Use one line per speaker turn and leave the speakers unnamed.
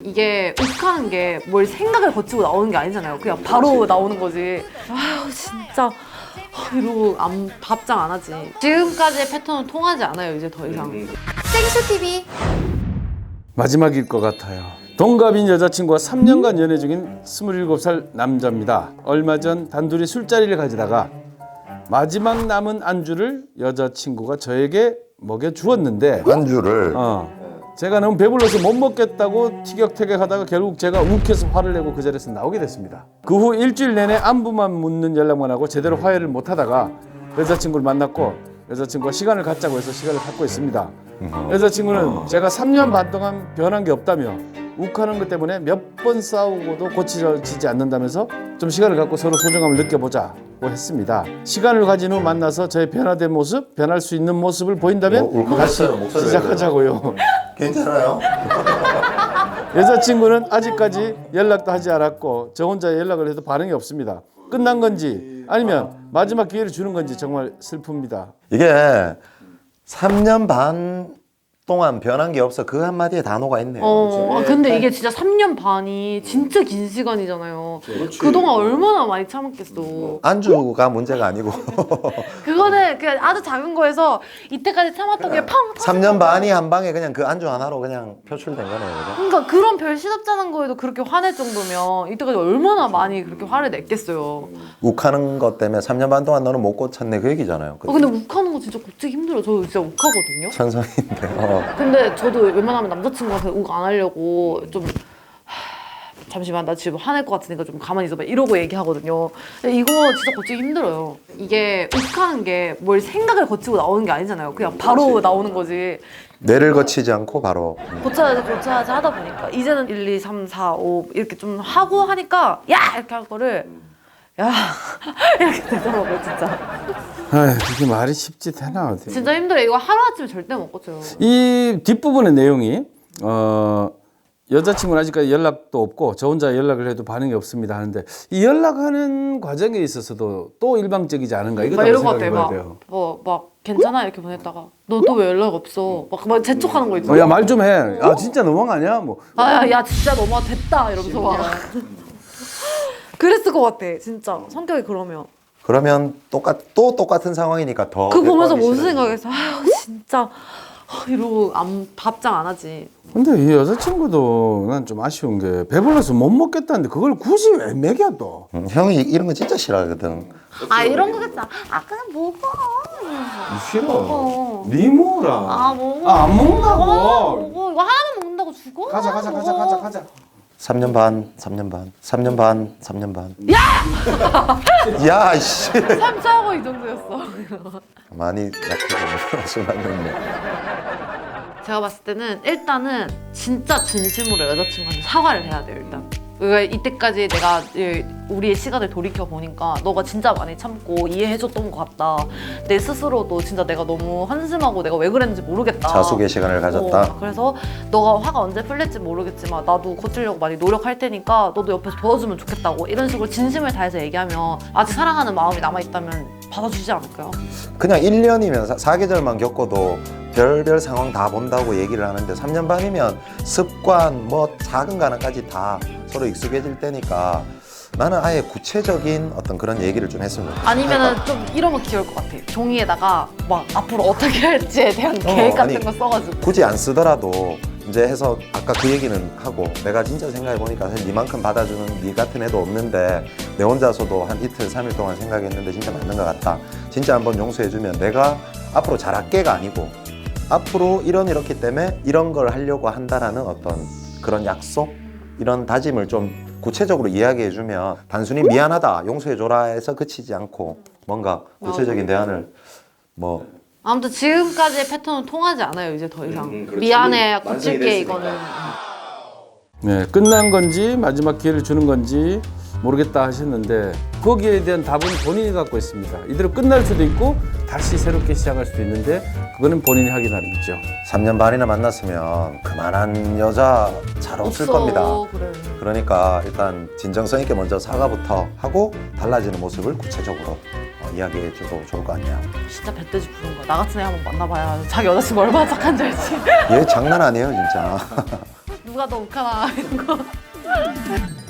이게 욱하는 게 뭘 생각을 거치고 나오는 게 아니잖아요. 그냥 바로 나오는 거지. 아유 진짜 이러고 답장 안 하지. 지금까지의 패턴은 통하지 않아요. 이제 더 이상.
생수TV.
마지막일 것 같아요. 동갑인 여자친구와 3년간 연애 중인 27살 남자입니다. 얼마 전 단둘이 술자리를 가지다가 마지막 남은 안주를 여자친구가 저에게 먹여주었는데
안주를
제가 너무 배불러서 못 먹겠다고 티격태격하다가 결국 제가 욱해서 화를 내고 그 자리에서 나오게 됐습니다. 그 후 일주일 내내 안부만 묻는 연락만 하고 제대로 화해를 못하다가 여자친구를 만났고 여자친구가 시간을 갖자고 해서 시간을 갖고 있습니다. 여자친구는 제가 3년 반 동안 변한 게 없다며 욱하는 것 때문에 몇 번 싸우고도 고쳐지지 않는다면서 좀 시간을 갖고 서로 소중함을 느껴보자고 했습니다. 시간을 가진 후 만나서 저의 변화된 모습, 변할 수 있는 모습을 보인다면 다시 시작하자고요.
괜찮아요?
여자친구는 아직까지 연락도 하지 않았고 저 혼자 연락을 해도 반응이 없습니다. 끝난 건지 아니면 마지막 기회를 주는 건지 정말 슬픕니다.
이게 3년 반 동안 변한 게 없어. 그 한마디에 다 녹아있네요.
근데 이게 진짜 3년 반이 진짜 긴 시간이잖아요. 그동안 얼마나 많이 참았겠어.
안주가 문제가 아니고
그거는 그냥 아주 작은 거에서 이때까지 참았던 게 펑!
3년 반이 한 방에 그냥 그 안주 하나로 그냥 표출된 거네요. 그죠?
그러니까 그런 별 시덥잖은 거에도 그렇게 화낼 정도면 이때까지 얼마나 많이 그렇게 화를 냈겠어요.
욱하는 것 때문에 3년 반 동안 너는 못 고쳤네 그 얘기잖아요.
근데 욱하는 거 진짜 고치기 힘들어요. 저 진짜 욱하거든요.
천성인데.
근데 저도 웬만하면 남자친구한테 욱 안 하려고 좀 잠시만 나 지금 화낼 것 같으니까 좀 가만히 있어봐 이러고 얘기하거든요. 근데 이거 진짜 고치기 힘들어요. 이게 욱하는 게 뭘 생각을 거치고 나오는 게 아니잖아요. 그냥 바로 나오는 거지.
뇌를 거치지 않고 바로
고쳐야지 하다 보니까 이제는 1, 2, 3, 4, 5 이렇게 좀 하고 하니까 야! 이렇게 할 거를 야! 이렇게 되더라고요 진짜.
아휴, 그게 말이 쉽지 되나 어떻게.
진짜 힘들어요. 이거 하루아침에 절대 못 고쳐요.
이 뒷부분의 내용이 여자친구는 아직까지 연락도 없고 저 혼자 연락을 해도 반응이 없습니다 하는데 이 연락하는 과정에 있어서도 또 일방적이지 않은가 이것도
막 이런 거
생각해
같아.
봐야 돼요.
막 괜찮아 이렇게 보냈다가 너 또 왜 연락 없어? 막 재촉하는 거 있잖아.
야 말 좀 해. 아 진짜 너무한 거 아니야? 뭐.
야 진짜 너무 됐다 이러면서 막 그랬을 것 같아 진짜 성격이 그러면
또 똑같은 상황이니까 더
그거 보면서
대꾸하기
무슨
싫어요.
생각했어? 아유 진짜 이러고 답장 안 하지.
근데 이 여자친구도 난 좀 아쉬운 게 배불러서 못 먹겠다는데 그걸 굳이 왜 먹여 또?
형이 이런 거 진짜 싫어하거든.
이런 거겠다. 그냥 먹어.
싫어.
먹어.
니 먹어라.
먹어.
안 먹는다고.
먹어. 이거 하나만 먹는다고 죽어?
가자.
3년 반. '야, 씨.
3차고 이 정도였어.
많이 약해서 술 마셨네.
제가 봤을 때는 일단은 진짜 진심으로 여자친구한테 사과를 해야 돼요 일단. 그러니까 이때까지 내가 우리의 시간을 돌이켜 보니까 너가 진짜 많이 참고 이해해줬던 것 같다. 내 스스로도 진짜 내가 너무 한심하고 내가 왜 그랬는지 모르겠다.
자숙의 시간을 가졌다.
그래서 너가 화가 언제 풀릴지 모르겠지만 나도 고치려고 많이 노력할 테니까 너도 옆에서 도와주면 좋겠다고 이런 식으로 진심을 다해서 얘기하면 아직 사랑하는 마음이 남아있다면 받아주지 않을까요?
그냥 1년이면 사계절만 겪어도 별별 상황 다 본다고 얘기를 하는데 3년 반이면 습관 뭐 작은 가능까지 다 서로 익숙해질 때니까 나는 아예 구체적인 어떤 그런 얘기를 좀 했으면 좋겠어.
아니면은 좀 이런 거 귀여울 것 같아. 종이에다가 막 앞으로 어떻게 할지에 대한 계획 같은
아니,
거 써가지고.
굳이 안 쓰더라도 이제 해서 아까 그 얘기는 하고 내가 진짜 생각해 보니까 사실 니만큼 받아주는 니 같은 애도 없는데 내 혼자서도 한 이틀 3일 동안 생각했는데 진짜 맞는 것 같다. 진짜 한번 용서해주면 내가 앞으로 잘할게가 아니고 앞으로 이렇기 때문에 이런 걸 하려고 한다라는 어떤 그런 약속 이런 다짐을 좀 구체적으로 이야기해주면 단순히 미안하다 용서해줘라 해서 그치지 않고 뭔가 구체적인 대안을 뭐
아무튼 지금까지의 패턴은 통하지 않아요. 이제 더 이상. 미안해 고칠게 이거는.
네, 끝난 건지 마지막 기회를 주는 건지 모르겠다 하셨는데 거기에 대한 답은 본인이 갖고 있습니다. 이대로 끝날 수도 있고 다시 새롭게 시작할 수도 있는데 그거는 본인이 하기 나름이죠.
3년 반이나 만났으면 그만한 여자 잘 없을 겁니다.
그래.
그러니까 일단 진정성 있게 먼저 사과부터 하고 달라지는 모습을 구체적으로 이야기해줘도 좋을 거 아니야.
진짜 배때지 부른 거야. 나 같은 애 한번 만나봐야 자기 여자친구 얼마나 착한지 알지.
얘 장난 아니에요 진짜.
누가 누가 더 욱하나 이런 거.